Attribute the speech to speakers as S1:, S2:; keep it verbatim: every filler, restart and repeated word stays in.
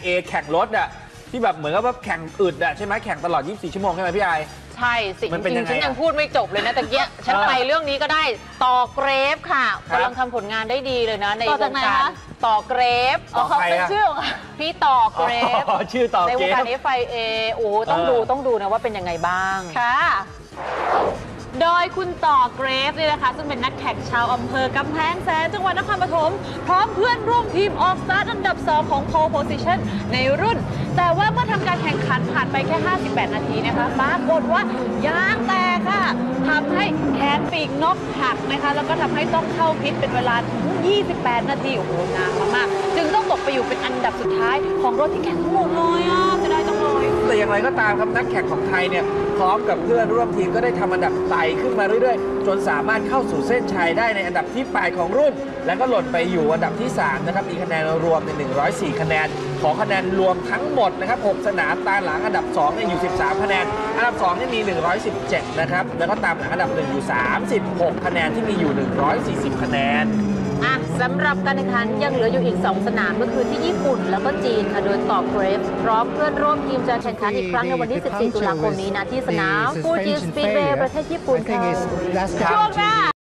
S1: เอแข่งรถอะที่แบบเหมือนกับว่าแข่งอึดอะใช่ไหมแข่งตลอดยี่สิบสี่ชั่วโมงใช่ไหมพี่ไอ
S2: ใช่สิจริงๆฉันยังพูดไม่จบเลยนะตะเกียฉันไปเรื่องนี้ก็ได้ต่อเกรฟค่ะกำลังทำผลงานได้ดีเลยนะในวงการต่อเกรฟ
S1: เขา
S2: เป็นชื่อพี่ต่อเกรฟ
S1: ชื่อต่อเกรฟ
S2: ในวงการ เอฟ ไอ เอ โอ้ต้องดูต้องดูนะว่าเป็นยังไงบ้าง
S3: ค่ะโดยคุณต่อเกรฟเนี่ยนะคะซึ่งเป็นนักแข่งชาวอำเภอกำแพงแสนจังหวัดนครปฐมพร้อมเพื่อนร่วมทีมออกสตาร์ทอันดับสองของ Pole Position ในรุ่นแต่ว่าเมื่อทำการแข่งขันผ่านไปแค่ห้าสิบแปดนาทีนะคะปรากฏว่ายางแตกค่ะทำให้แขนปีกนกหักนะคะแล้วก็ทำให้ต้องเข้าพิษเป็นเวลาถึงยี่สิบแปดนาทีโอ้โหนานมากๆจึงต้องตกไปอยู่เป็นอันดับสุดท้ายของรถที่แข่งทั้งหมดเลยอ่ะจะได้จังเลย
S1: แต่อย่างไรก็ตามครับนักแข่งของไทยเนี่ยพร้อมกับเพื่อนร่วมทีมก็ได้ทำอันดับไต่ขึ้นมาเรื่อยๆจนสามารถเข้าสู่เส้นชัยได้ในอันดับที่แปดของรุ่นแล้วก็หล่นไปอยู่อันดับที่สามนะครับมีคะแนนรวมในหนึ่งร้อยสี่คะแนนของคะแนนรวมทั้งหมดนะครับหกสนามตามหลังอันดับสองเนี่ยอยู่สิบสามคะแนนอันดับสองนี่มีหนึ่งร้อยสิบเจ็ดนะครับแล้วก็ตามหลังอันดับหนึ่งอยู่สามสิบหกคะแนนที่มีอยู่หนึ่งร้อยสี่สิบคะแนน
S2: อ่ะสำหรับการแข่งขันยังเหลืออยู่อีกสองสนามก็คือที่ญี่ปุ่นแล้วก็จีนค่ะโดยต่อเกรฟพร้อมเพื่อนร่วมทีมจะแข่งขันอีกครั้งในวันที่สิบสี่ตุลาคมนี้นะที่สนามฟูจิสปีดเวย์ประเทศญี่ปุ่นค่ะ
S3: ช่วงหน้า